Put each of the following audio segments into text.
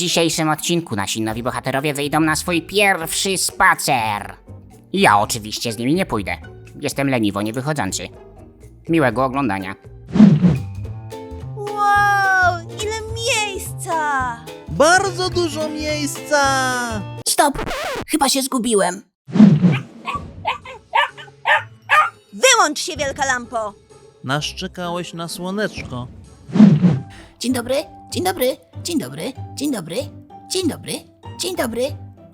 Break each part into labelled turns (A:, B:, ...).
A: dzisiejszym odcinku nasi nowi bohaterowie wyjdą na swój pierwszy spacer. Ja oczywiście z nimi nie pójdę. Jestem leniwo niewychodzący. Miłego oglądania.
B: Wow, ile miejsca!
C: Bardzo dużo miejsca!
D: Stop! Chyba się zgubiłem.
B: Wyłącz się, wielka lampo!
C: Naszczekałeś na słoneczko.
D: Dzień dobry, dzień dobry, dzień dobry, dzień dobry, dzień dobry, dzień dobry.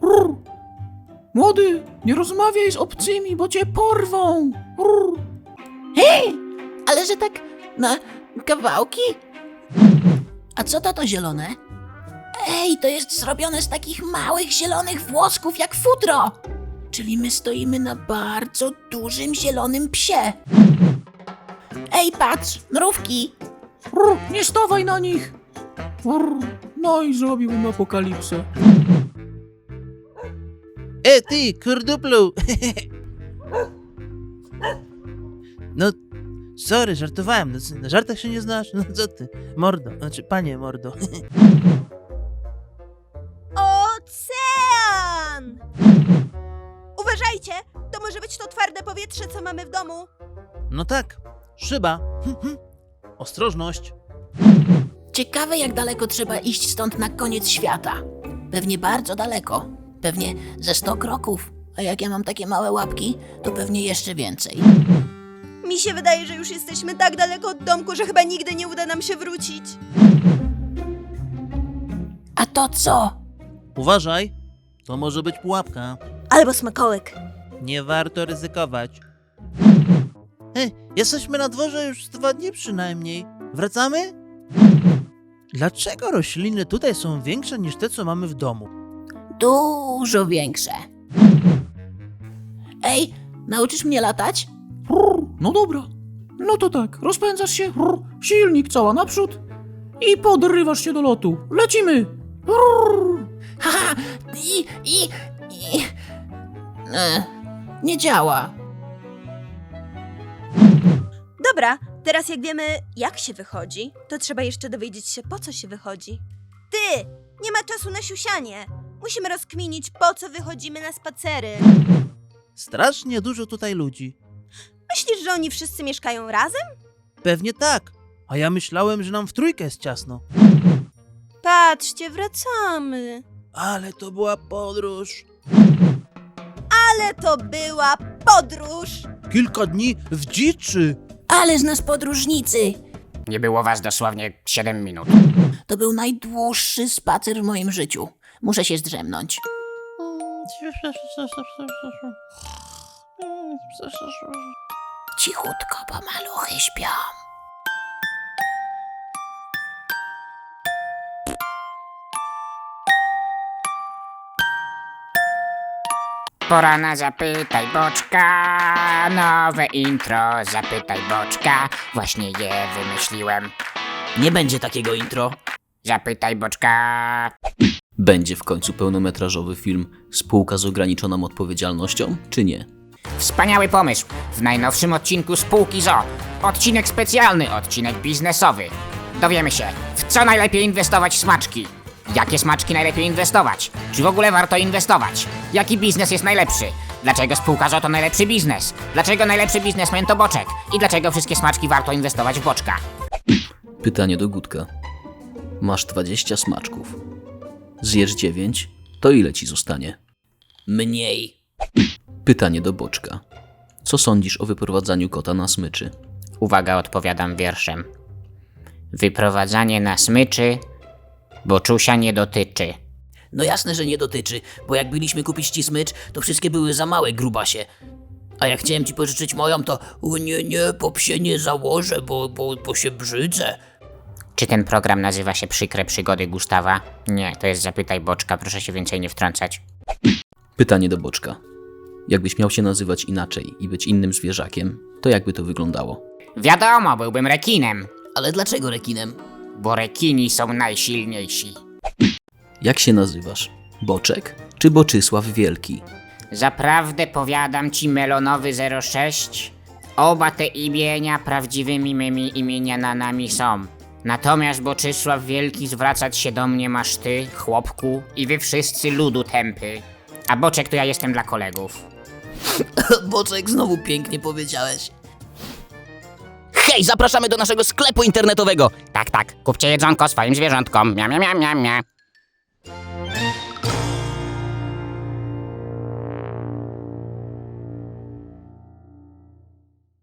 E: Młody, nie rozmawiaj z obcymi, bo cię porwą.
D: Hej! Ale że tak na kawałki? A co to zielone? Ej, to jest zrobione z takich małych zielonych włosków jak futro. Czyli my stoimy na bardzo dużym zielonym psie. Ej, patrz, mrówki.
E: Nie stawaj na nich. No i zrobiłem apokalipsę.
C: Ty, kurduplu! No, sorry, żartowałem. Na żartach się nie znasz? No co ty? Mordo, znaczy panie mordo.
B: Ocean! Uważajcie, to może być to twarde powietrze, co mamy w domu.
C: No tak, szyba. Ostrożność.
D: Ciekawe, jak daleko trzeba iść stąd na koniec świata. Pewnie bardzo daleko. Pewnie ze 100 kroków. A jak ja mam takie małe łapki, to pewnie jeszcze więcej.
B: Mi się wydaje, że już jesteśmy tak daleko od domku, że chyba nigdy nie uda nam się wrócić.
D: A to co?
C: Uważaj, to może być pułapka.
B: Albo smakołyk.
C: Nie warto ryzykować. Jesteśmy na dworze już 2 dni przynajmniej. Wracamy? Dlaczego rośliny tutaj są większe niż te, co mamy w domu?
D: Dużo większe. Ej, nauczysz mnie latać?
E: No dobra. No to tak, rozpędzasz się, silnik cała naprzód i podrywasz się do lotu. Lecimy!
D: Haha, nie działa.
B: Dobra, teraz jak wiemy, jak się wychodzi, to trzeba jeszcze dowiedzieć się, po co się wychodzi. Ty! Nie ma czasu na siusianie! Musimy rozkminić, po co wychodzimy na spacery.
C: Strasznie dużo tutaj ludzi.
B: Myślisz, że oni wszyscy mieszkają razem?
C: Pewnie tak. A ja myślałem, że nam w trójkę jest ciasno.
B: Patrzcie, wracamy.
C: Ale to była podróż.
B: Ale to była podróż!
C: Kilka dni w dziczy.
D: Ale z nas podróżnicy.
A: Nie było was dosłownie 7 minut.
D: To był najdłuższy spacer w moim życiu. Muszę się zdrzemnąć. Cichutko, bo maluchy śpią.
A: Pora na Zapytaj Boczka. Nowe intro Zapytaj Boczka. Właśnie je wymyśliłem.
D: Nie będzie takiego intro.
A: Zapytaj Boczka.
F: Będzie w końcu pełnometrażowy film Spółka z ograniczoną odpowiedzialnością, czy nie?
A: Wspaniały pomysł. W najnowszym odcinku Spółki ZO. Odcinek specjalny, odcinek biznesowy. Dowiemy się, w co najlepiej inwestować w smaczki. Jakie smaczki najlepiej inwestować? Czy w ogóle warto inwestować? Jaki biznes jest najlepszy? Dlaczego spółka ZO to najlepszy biznes? Dlaczego najlepszy biznesmen to Boczek? I dlaczego wszystkie smaczki warto inwestować w Boczka?
F: Pytanie do Gutka. Masz 20 smaczków. Zjesz 9, to ile ci zostanie?
D: Mniej.
F: Pytanie do Boczka. Co sądzisz o wyprowadzaniu kota na smyczy?
A: Uwaga, odpowiadam wierszem. Wyprowadzanie na smyczy Boczusia nie dotyczy.
D: No jasne, że nie dotyczy, bo jak byliśmy kupić ci smycz, to wszystkie były za małe, grubasie. A jak chciałem ci pożyczyć moją, to o nie, po psie nie założę, bo się brzydzę.
A: Czy ten program nazywa się Przykre Przygody Gustawa? Nie, to jest Zapytaj Boczka, proszę się więcej nie wtrącać.
F: Pytanie do Boczka. Jakbyś miał się nazywać inaczej i być innym zwierzakiem, to jakby to wyglądało?
A: Wiadomo, byłbym rekinem,
D: Ale dlaczego rekinem?
A: bo rekini są najsilniejsi.
F: Jak się nazywasz? Boczek czy Boczysław Wielki?
A: Zaprawdę powiadam ci, Melonowy 06, oba te imienia prawdziwymi mymi imionami są. Natomiast Boczysław Wielki zwracać się do mnie masz ty, chłopku, i wy wszyscy ludu tępy. A Boczek to ja jestem dla kolegów.
D: Boczek, znowu pięknie powiedziałeś.
G: Hej, zapraszamy do naszego sklepu internetowego.
A: Tak, kupcie jedzonko swoim zwierzątkom. Mia, mia, mia, mia, mia.